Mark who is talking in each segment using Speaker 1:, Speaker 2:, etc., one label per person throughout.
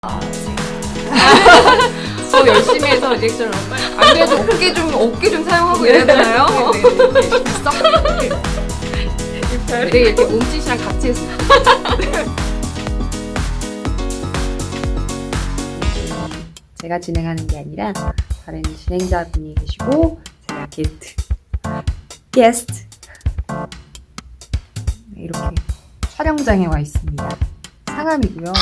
Speaker 1: 열심히 해서 리액션을 안 그래도 어깨 좀 사용하고 이래야 되나요? 네, 이렇게 몸짓이랑 같이 해서.
Speaker 2: 제가 진행하는 게 아니라 다른 진행자분이 계시고 제가 게스트 이렇게 촬영장에 와 있습니다. 상암이고요.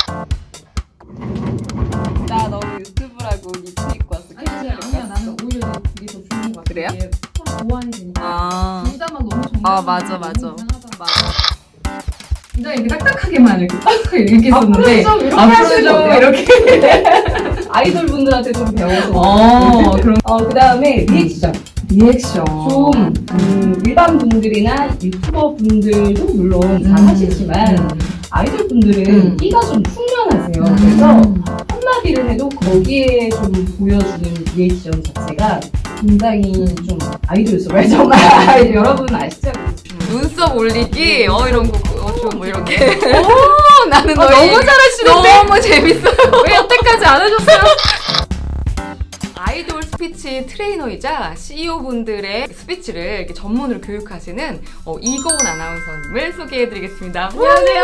Speaker 1: 나 너무 유튜브라고 니트 입고 왔어.
Speaker 3: 아니야 나는 오히려 이게 더 좋은 것 같아.
Speaker 1: 그래요?
Speaker 3: 이게 서로 보완이 되니까 둘다만 너무 정말
Speaker 1: 맞아.
Speaker 3: 굉장히 이렇게 딱딱하게만 이렇게 했었는데
Speaker 1: 이렇게
Speaker 3: 앞으로 좀
Speaker 1: 하시죠.
Speaker 3: 이렇게 아이돌 분들한테 좀 배워서
Speaker 1: 그럼
Speaker 3: 그다음에 리액션 좀 일반 분들이나 유튜버 분들도 물론 잘 하시지만 아이돌 분들은 끼가 좀 충만하세요. 그래서 한마디를 해도 거기에 좀 보여주는 리액션 자체가 굉장히 좀 아이돌스러워요. 정말 여러분 아시죠?
Speaker 1: 눈썹 올리기 이런 거 뭐 이렇게. 나는
Speaker 3: 너무
Speaker 1: 잘하시는데 너무 재밌어요. 왜 여태까지 안 하셨어요? 아이돌 스피치 트레이너이자 CEO 분들의 스피치를 이렇게 전문으로 교육하시는 이고은 아나운서님을 소개해드리겠습니다. 안녕하세요.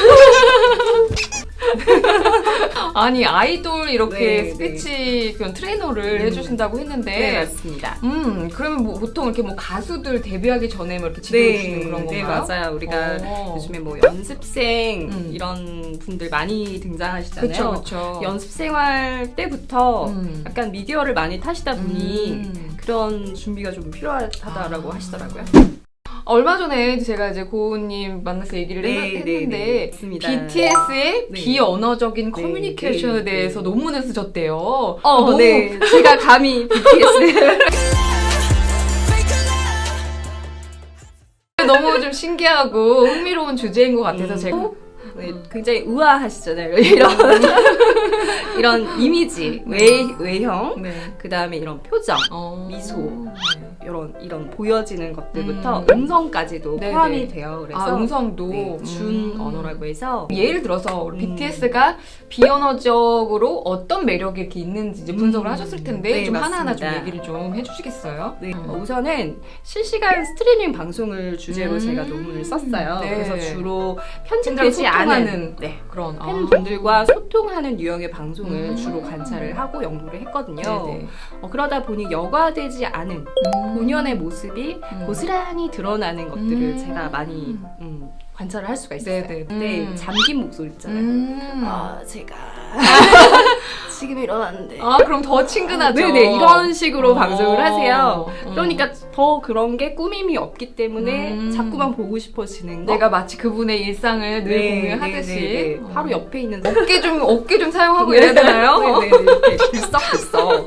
Speaker 1: 아니 아이돌 이렇게 스피치 그런 트레이너를 해주신다고 했는데
Speaker 2: 네, 맞습니다.
Speaker 1: 그러면 뭐 보통 이렇게 뭐 가수들 데뷔하기 전에 뭐 이렇게 지도해 주시는 그런 건가요?
Speaker 2: 네, 맞아요. 우리가 요즘에 뭐 연습생 이런 분들 많이 등장하시잖아요.
Speaker 1: 그쵸.
Speaker 2: 연습 생활 때부터 약간 미디어를 많이 타시다 보니
Speaker 1: 음.
Speaker 2: 그런 준비가 좀 필요하다라고 하시더라고요.
Speaker 1: 얼마 전에 제가 이제 고은님 만나서 얘기를 했는데
Speaker 2: 맞습니다.
Speaker 1: BTS의
Speaker 2: 네.
Speaker 1: 비언어적인 커뮤니케이션에 대해서 논문을 쓰셨대요.
Speaker 2: 네. 제가 감히 BTS
Speaker 1: 너무 좀 신기하고 흥미로운 주제인 것 같아서 제가
Speaker 2: 네, 굉장히 우아하시잖아요. 이런 이미지, 외형,
Speaker 1: 네.
Speaker 2: 그 다음에 이런 표정, 미소, 이런 보여지는 것들부터
Speaker 1: 음.
Speaker 2: 음성까지도
Speaker 1: 네네.
Speaker 2: 포함이 돼요. 그래서
Speaker 1: 음성도
Speaker 2: 네, 준 언어라고 해서
Speaker 1: 예를 들어서 우리 BTS가 비언어적으로 어떤 매력이 이렇게 있는지 이제 분석을 하셨을 텐데
Speaker 2: 네,
Speaker 1: 좀 하나하나 좀
Speaker 2: 맞습니다.
Speaker 1: 얘기를 좀 해주시겠어요?
Speaker 2: 네, 우선은 실시간 스트리밍 방송을 주제로 제가 논문을 썼어요.
Speaker 1: 네.
Speaker 2: 그래서 주로
Speaker 1: 팬들과
Speaker 2: 편집되지 않은
Speaker 1: 소통하는 그런
Speaker 2: 팬분들과 소통하는 유형의 방송을 주로 관찰을 하고 연구를 했거든요.
Speaker 1: 네네.
Speaker 2: 그러다 보니 여과되지 않은 본연의 모습이 고스란히 드러나는 것들을 제가 많이 관찰을 할 수가 있어요.
Speaker 1: 네네.
Speaker 2: 근데 잠긴 목소리 있잖아요. 제가 지금 일어났는데
Speaker 1: 그럼 더 친근하죠.
Speaker 2: 네네 이런 식으로 방송을 하세요.
Speaker 1: 음.
Speaker 2: 그러니까 더 그런 게 꾸밈이 없기 때문에 자꾸만 보고 싶어지는 거.
Speaker 1: 내가 마치 그분의 일상을 늘 공유하듯이
Speaker 2: 네. 바로 옆에 있는
Speaker 1: 어깨 좀 사용하고 이래야 되나요?
Speaker 2: 네네 이렇게 들썩들썩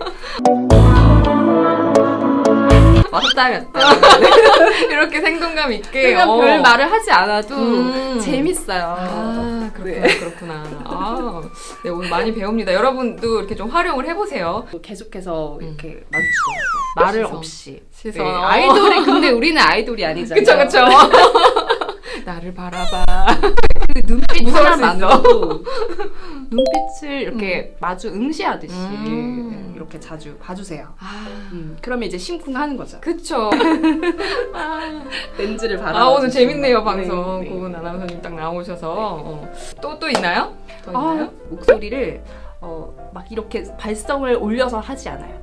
Speaker 2: 왔다 갔다
Speaker 1: 이렇게 생동감 있게
Speaker 2: 그냥 별 말을 하지 않아도 재밌어요.
Speaker 1: 그렇구나. 네, 오늘 많이 배웁니다. 여러분도 이렇게 좀 활용을 해보세요.
Speaker 2: 계속해서 이렇게 마주치더라고요. 말을
Speaker 1: 시선.
Speaker 2: 없이.
Speaker 1: 시선.
Speaker 2: 네, 아이돌이 근데 우리는 아이돌이 아니잖아요.
Speaker 1: 그쵸. 나를 바라봐.
Speaker 2: 그 눈빛
Speaker 1: 무서울 수
Speaker 2: 하나만으로도 눈빛을 이렇게 마주 응시하듯이 이렇게 자주 봐주세요. 그러면 이제 심쿵하는 거죠.
Speaker 1: 그쵸.
Speaker 2: 렌즈를 바라.
Speaker 1: 오늘 재밌네요, 방송.
Speaker 2: 네.
Speaker 1: 고은 아나운서님 딱 나오셔서. 또 있나요? 더 있나요?
Speaker 2: 목소리를 막 이렇게 발성을 올려서 하지 않아요.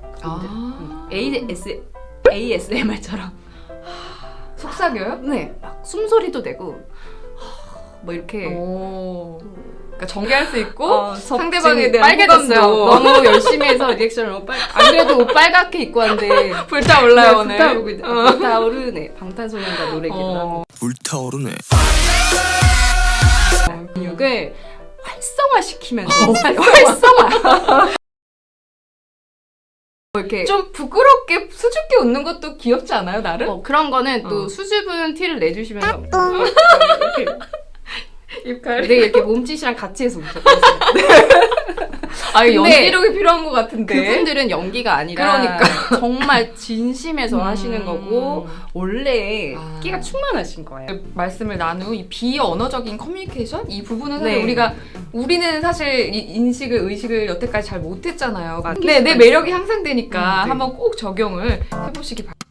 Speaker 2: ASMR처럼.
Speaker 1: 속삭여요?
Speaker 2: 네, 막 숨소리도 내고 뭐 이렇게.
Speaker 1: 그러니까 전개할 수 있고 상대방에
Speaker 2: 지금
Speaker 1: 대한
Speaker 2: 빨개졌어요.
Speaker 1: 호감도
Speaker 2: 너무 열심히 해서 리액션을 안 그래도 옷 빨갛게 입고 왔는데
Speaker 1: 불타올라요 오늘.
Speaker 2: 불타오르네. 방탄소년단 노래기도
Speaker 4: 불타오르네.
Speaker 2: 근육을 활성화시키면서 활성화. 이렇게
Speaker 1: 좀 부끄럽게 수줍게 웃는 것도 귀엽지 않아요, 나를?
Speaker 2: 그런 거는 또 수줍은 티를 내주시면서 이렇게
Speaker 1: 입가를.
Speaker 2: 네, 이렇게 몸짓이랑 같이 해서 웃었어요.
Speaker 1: 아,
Speaker 2: 근데
Speaker 1: 연기력이 필요한 것 같은데.
Speaker 2: 그분들은 연기가 아니라
Speaker 1: 그러니까.
Speaker 2: 정말 진심에서 하시는 거고 원래
Speaker 1: 아.
Speaker 2: 끼가 충만하신 거예요.
Speaker 1: 말씀을 나눈 이 비언어적인 커뮤니케이션 이 부분은 사실
Speaker 2: 네.
Speaker 1: 우리는 사실 이 인식을 의식을 여태까지 잘 못했잖아요.
Speaker 2: 맞-
Speaker 1: 근데 내 매력이 향상되니까
Speaker 2: 네.
Speaker 1: 한번 꼭 적용을 해보시기 바랍니다.